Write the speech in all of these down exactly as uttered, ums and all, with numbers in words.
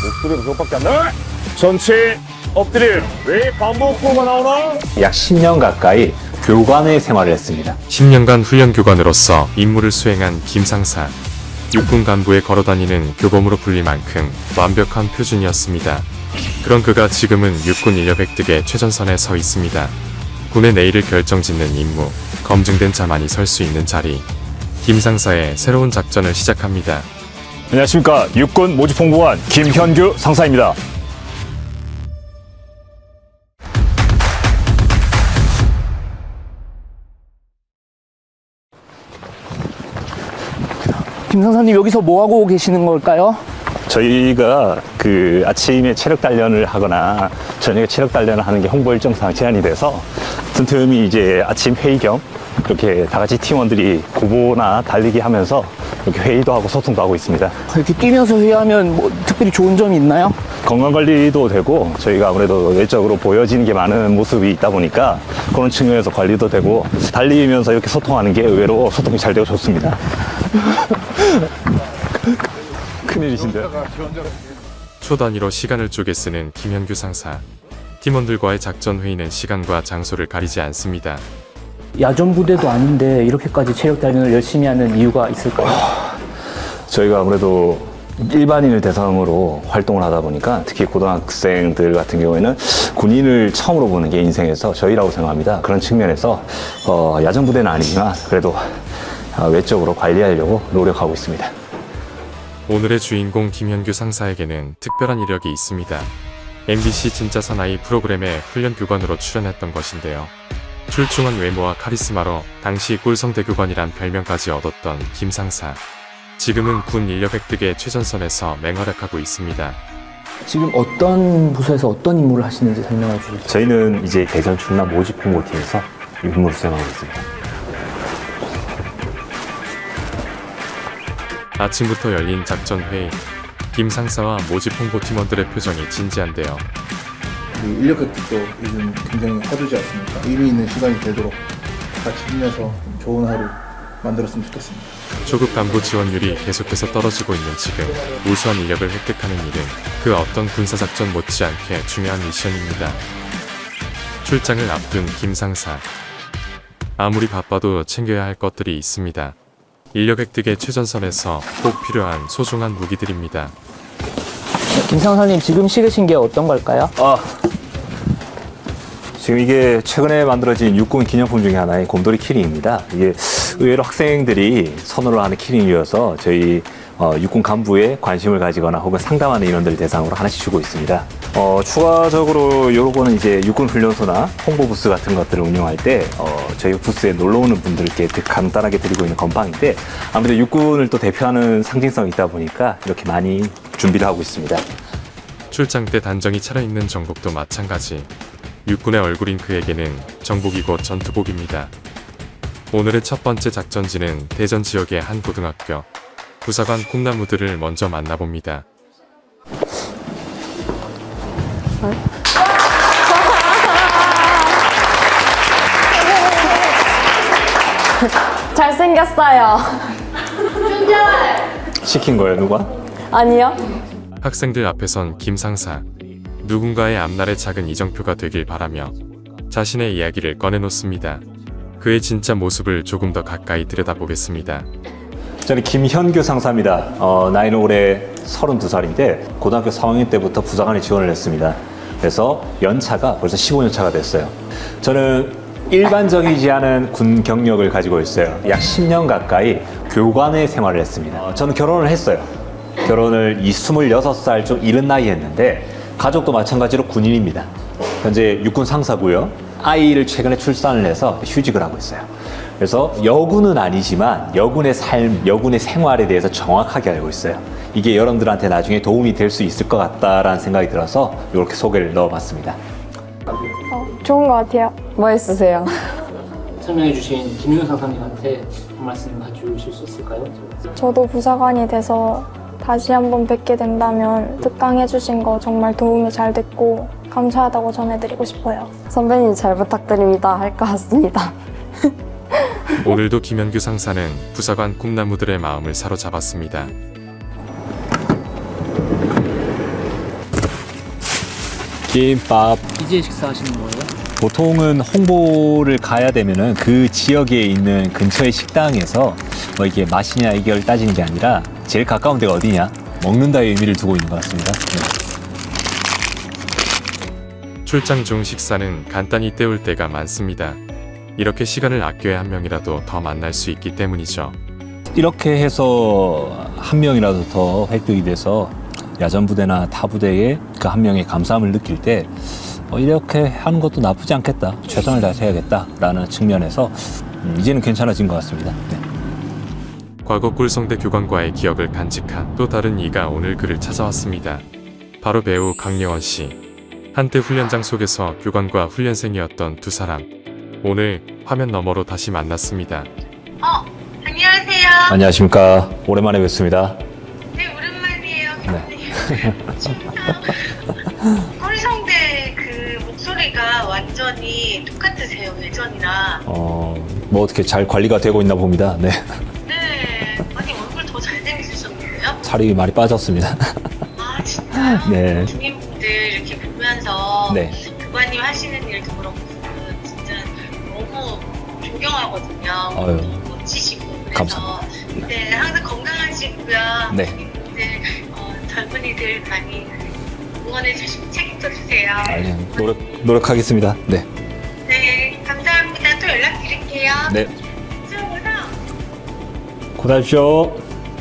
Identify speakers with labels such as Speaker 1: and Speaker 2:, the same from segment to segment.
Speaker 1: 목소리가 그것밖에 안 나? 전체 엎드림. 왜 반복호가 나오나?
Speaker 2: 약 십 년 가까이 교관의 생활을 했습니다.
Speaker 3: 십 년간 훈련 교관으로서 임무를 수행한 김상사. 육군 간부에 걸어다니는 교범으로 불릴 만큼 완벽한 표준이었습니다. 그런 그가 지금은 육군 인력 획득의 최전선에 서 있습니다. 군의 내일을 결정짓는 임무, 검증된 자만이 설 수 있는 자리. 김상사의 새로운 작전을 시작합니다.
Speaker 1: 안녕하십니까. 육군 모집홍보관 김현규 상사입니다.
Speaker 4: 김 상사님 여기서 뭐 하고 계시는 걸까요?
Speaker 2: 저희가 그 아침에 체력 단련을 하거나 저녁에 체력 단련을 하는 게 홍보 일정상 제한이 돼서 틈틈이 이제 아침 회의 겸 이렇게 다 같이 팀원들이 고보나 달리기 하면서 이렇게 회의도 하고 소통도 하고 있습니다.
Speaker 4: 이렇게 뛰면서 회의하면 뭐 특별히 좋은 점이 있나요?
Speaker 2: 건강 관리도 되고 저희가 아무래도 외적으로 보여지는 게 많은 모습이 있다 보니까 그런 측면에서 관리도 되고 달리면서 이렇게 소통하는 게 의외로 소통이 잘 되고 좋습니다. 큰일이신데요.
Speaker 3: 초 단위로 시간을 쪼개 쓰는 김현규 상사. 팀원들과의 작전 회의는 시간과 장소를 가리지 않습니다.
Speaker 4: 야전 부대도 아닌데 이렇게까지 체력 단련을 열심히 하는 이유가 있을까요?
Speaker 2: 저희가 아무래도 일반인을 대상으로 활동을 하다 보니까 특히 고등학생들 같은 경우에는 군인을 처음으로 보는 게 인생에서 저희라고 생각합니다. 그런 측면에서 어, 야전 부대는 아니지만 그래도 어, 외적으로 관리하려고 노력하고 있습니다.
Speaker 3: 오늘의 주인공 김현규 상사에게는 특별한 이력이 있습니다. 엠비씨 진짜 사나이 프로그램에 훈련 교관으로 출연했던 것인데요. 출중한 외모와 카리스마로 당시 꿀성대교관이란 별명까지 얻었던 김 상사. 지금은 군 인력 획득의 최전선에서 맹활약하고 있습니다.
Speaker 4: 지금 어떤 부서에서 어떤 임무를 하시는지 설명해 주세요.
Speaker 2: 저희는 이제 대전 충남 모집 홍보팀에서 임무를 수행하고 있습니다.
Speaker 3: 아침부터 열린 작전회의. 김 상사와 모집 홍보팀원들의 표정이 진지한데요.
Speaker 5: 인력 획득도 요즘 굉장히 화두지 않습니까? 의미 있는 시간이 되도록 같이 힘내서 좋은 하루 만들었으면 좋겠습니다.
Speaker 3: 초급 간부 지원율이 계속해서 떨어지고 있는 지금 우수한 인력을 획득하는 일은 그 어떤 군사작전 못지않게 중요한 미션입니다. 출장을 앞둔 김 상사. 아무리 바빠도 챙겨야 할 것들이 있습니다. 인력 획득의 최전선에서 꼭 필요한 소중한 무기들입니다.
Speaker 4: 김 상사님 지금 실으신 게 어떤 걸까요?
Speaker 2: 아, 지금 이게 최근에 만들어진 육군 기념품 중에 하나인 곰돌이 키링입니다. 이게 의외로 학생들이 선호를 하는 키링이어서 저희 어, 육군 간부에 관심을 가지거나 혹은 상담하는 인원들 대상으로 하나씩 주고 있습니다. 어, 추가적으로 요거는 이제 육군 훈련소나 홍보 부스 같은 것들을 운영할 때 어, 저희 부스에 놀러 오는 분들께 간단하게 드리고 있는 건빵인데 아무래도 육군을 또 대표하는 상징성이 있다 보니까 이렇게 많이 준비를 하고 있습니다.
Speaker 3: 출장 때 단정히 차려입는 정복도 마찬가지. 육군의 얼굴인 그에게는 정복이 곧 전투복입니다. 오늘의 첫 번째 작전지는 대전 지역의 한 고등학교. 부사관 꿈나무들을 먼저 만나봅니다.
Speaker 6: 잘생겼어요.
Speaker 2: 시킨 거예요, 누가?
Speaker 6: 아니요.
Speaker 3: 학생들 앞에선 김 상사. 누군가의 앞날의 작은 이정표가 되길 바라며 자신의 이야기를 꺼내놓습니다. 그의 진짜 모습을 조금 더 가까이 들여다보겠습니다.
Speaker 2: 저는 김현규 상사입니다. 어, 나이는 올해 서른두 살인데 고등학교 삼 학년 때부터 부사관에 지원을 했습니다. 그래서 연차가 벌써 십오 년 차가 됐어요. 저는 일반적이지 않은 군 경력을 가지고 있어요. 약 십 년 가까이 교관의 생활을 했습니다. 어, 저는 결혼을 했어요. 결혼을 이 스물여섯 살 좀 이른 나이에 했는데 가족도 마찬가지로 군인입니다. 현재 육군 상사고요. 아이를 최근에 출산을 해서 휴직을 하고 있어요. 그래서 여군은 아니지만 여군의 삶, 여군의 생활에 대해서 정확하게 알고 있어요. 이게 여러분들한테 나중에 도움이 될 수 있을 것 같다라는 생각이 들어서 이렇게 소개를 넣어봤습니다.
Speaker 6: 어, 좋은 것 같아요. 멋있으세요.
Speaker 7: 설명해주신 김윤 상사님한테 한 말씀 해주실 수 있을까요?
Speaker 8: 저도 부사관이 돼서 다시 한번 뵙게 된다면 특강해주신 거 정말 도움이 잘 됐고 감사하다고 전해드리고 싶어요.
Speaker 6: 선배님 잘 부탁드립니다. 할 것 같습니다.
Speaker 3: 오늘도 김현규 상사는 부사관 꿈나무들의 마음을 사로잡았습니다.
Speaker 2: 김밥.
Speaker 7: 이제 식사하시는 거예요?
Speaker 2: 보통은 홍보를 가야 되면은 그 지역에 있는 근처의 식당에서 뭐 이게 맛이냐 이걸 따지는 게 아니라 제일 가까운 데가 어디냐 먹는다의 의미를 두고 있는 것 같습니다. 네.
Speaker 3: 출장 중 식사는 간단히 때울 때가 많습니다. 이렇게 시간을 아껴야 한 명이라도 더 만날 수 있기 때문이죠.
Speaker 2: 이렇게 해서 한 명이라도 더 획득이 돼서 야전 부대나 타 부대에 그 한 명의 감사함을 느낄 때 어, 이렇게 하는 것도 나쁘지 않겠다. 최선을 다해서 해야겠다라는 측면에서 음, 이제는 괜찮아진 것 같습니다. 네.
Speaker 3: 과거 꿀성대 교관과의 기억을 간직한 또 다른 이가 오늘 그를 찾아왔습니다. 바로 배우 강예원 씨. 한때 훈련장 속에서 교관과 훈련생이었던 두 사람. 오늘 화면 너머로 다시 만났습니다.
Speaker 9: 어, 안녕하세요.
Speaker 2: 안녕하십니까. 오랜만에 뵙습니다.
Speaker 9: 네, 오랜만이에요.
Speaker 2: 네.
Speaker 9: 꿀성대 그 목소리가 완전히 똑같으세요, 예전이랑.
Speaker 2: 어, 뭐 어떻게 잘 관리가 되고 있나 봅니다. 네.
Speaker 9: 네, 아니 얼굴 더 잘생기셨는데요?
Speaker 2: 살이 많이 빠졌습니다.
Speaker 9: 아, 진짜요?
Speaker 2: 네.
Speaker 9: 중인분들 이렇게 보면서
Speaker 2: 네.
Speaker 9: 교관님 하시는 일도 그렇고 진짜 너무 존경하거든요.
Speaker 2: 아유.
Speaker 9: 너무 멋지시고 그래서
Speaker 2: 감사합니다.
Speaker 9: 네, 항상 건강하시고요.
Speaker 2: 네.
Speaker 9: 중인분들, 어, 젊은이들 많이 응원해 주시고 책임져 주세요.
Speaker 2: 아니, 노력, 노력하겠습니다. 네.
Speaker 9: 네, 감사합니다. 또 연락드릴게요.
Speaker 2: 네.
Speaker 9: 수고하세요.
Speaker 2: 고생하십시오.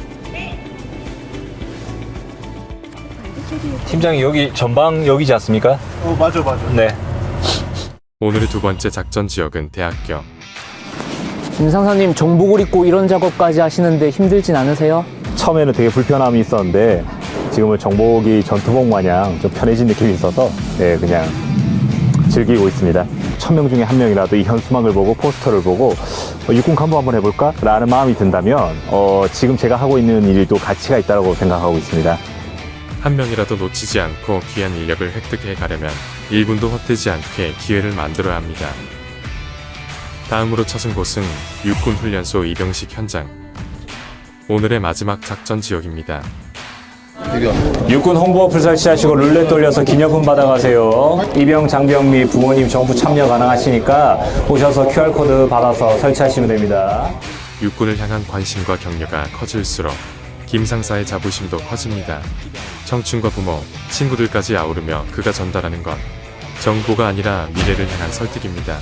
Speaker 2: 팀장이 여기 전방 여기지 않습니까?
Speaker 5: 어 맞아 맞아.
Speaker 2: 네.
Speaker 3: 오늘의 두 번째 작전 지역은 대학교.
Speaker 4: 김 상사님 정복을 입고 이런 작업까지 하시는데 힘들진 않으세요?
Speaker 2: 처음에는 되게 불편함이 있었는데 지금은 정복이 전투복 마냥 좀 편해진 느낌이 있어서 네, 그냥 즐기고 있습니다. 천 명 중에 한 명이라도 이 현수막을 보고 포스터를 보고 어, 육군 간부 한번 해볼까? 라는 마음이 든다면 어, 지금 제가 하고 있는 일도 가치가 있다고 생각하고 있습니다.
Speaker 3: 한 명이라도 놓치지 않고 귀한 인력을 획득해 가려면 일 분도 헛되지 않게 기회를 만들어야 합니다. 다음으로 찾은 곳은 육군 훈련소 입영식 현장. 오늘의 마지막 작전 지역입니다.
Speaker 2: 육군 홍보 어플 설치하시고 룰렛 돌려서 기념품 받아가세요. 입영, 장병 및 부모님 전부 참여 가능하시니까 오셔서 큐알코드 받아서 설치하시면 됩니다.
Speaker 3: 육군을 향한 관심과 격려가 커질수록 김 상사의 자부심도 커집니다. 청춘과 부모, 친구들까지 아우르며 그가 전달하는 건 정보가 아니라 미래를 향한 설득입니다.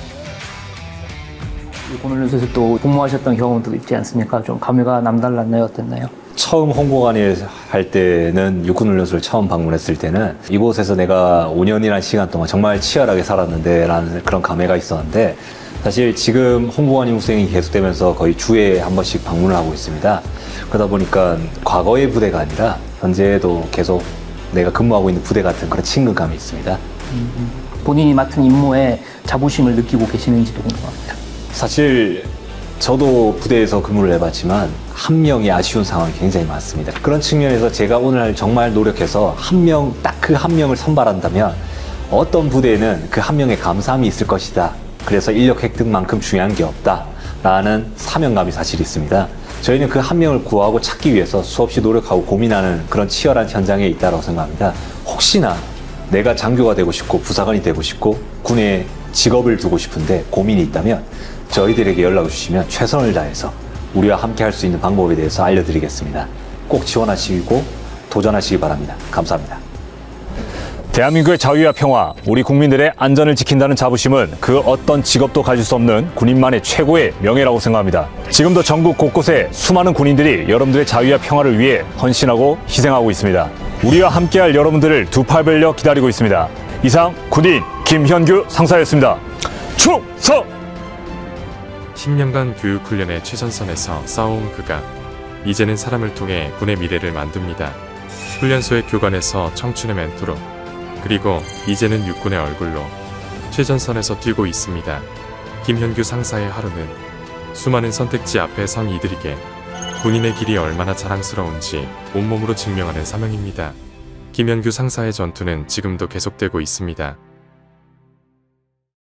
Speaker 4: 육군 훈련소에서 또 복무하셨던 경험도 있지 않습니까? 좀 감회가 남달랐나요? 어땠나요?
Speaker 2: 처음 홍보관에 할 때는 육군훈련소를 처음 방문했을 때는 이곳에서 내가 오 년이라는 시간 동안 정말 치열하게 살았는데 라는 그런 감회가 있었는데 사실 지금 홍보관 후생이 계속되면서 거의 주에 한 번씩 방문을 하고 있습니다. 그러다 보니까 과거의 부대가 아니라 현재도 계속 내가 근무하고 있는 부대 같은 그런 친근감이 있습니다.
Speaker 4: 음, 본인이 맡은 임무에 자부심을 느끼고 계시는지도 궁금합니다.
Speaker 2: 사실 저도 부대에서 근무를 해봤지만 한 명이 아쉬운 상황이 굉장히 많습니다. 그런 측면에서 제가 오늘 정말 노력해서 한 명, 딱 그 한 명을 선발한다면 어떤 부대에는 그 한 명의 감사함이 있을 것이다. 그래서 인력 획득만큼 중요한 게 없다. 라는 사명감이 사실 있습니다. 저희는 그 한 명을 구하고 찾기 위해서 수없이 노력하고 고민하는 그런 치열한 현장에 있다고 생각합니다. 혹시나 내가 장교가 되고 싶고 부사관이 되고 싶고 군에 직업을 두고 싶은데 고민이 있다면 저희들에게 연락을 주시면 최선을 다해서 우리와 함께 할 수 있는 방법에 대해서 알려드리겠습니다. 꼭 지원하시고 도전하시기 바랍니다. 감사합니다. 대한민국의 자유와 평화, 우리 국민들의 안전을 지킨다는 자부심은 그 어떤 직업도 가질 수 없는 군인만의 최고의 명예라고 생각합니다. 지금도 전국 곳곳에 수많은 군인들이 여러분들의 자유와 평화를 위해 헌신하고 희생하고 있습니다. 우리와 함께할 여러분들을 두 팔 벌려 기다리고 있습니다. 이상 군인 김현규 상사였습니다. 충성!
Speaker 3: 십 년간 교육훈련의 최전선에서 싸워온 그가 이제는 사람을 통해 군의 미래를 만듭니다. 훈련소의 교관에서 청춘의 멘토로 그리고 이제는 육군의 얼굴로 최전선에서 뛰고 있습니다. 김현규 상사의 하루는 수많은 선택지 앞에 선 이들에게 군인의 길이 얼마나 자랑스러운지 온몸으로 증명하는 사명입니다. 김현규 상사의 전투는 지금도 계속되고 있습니다.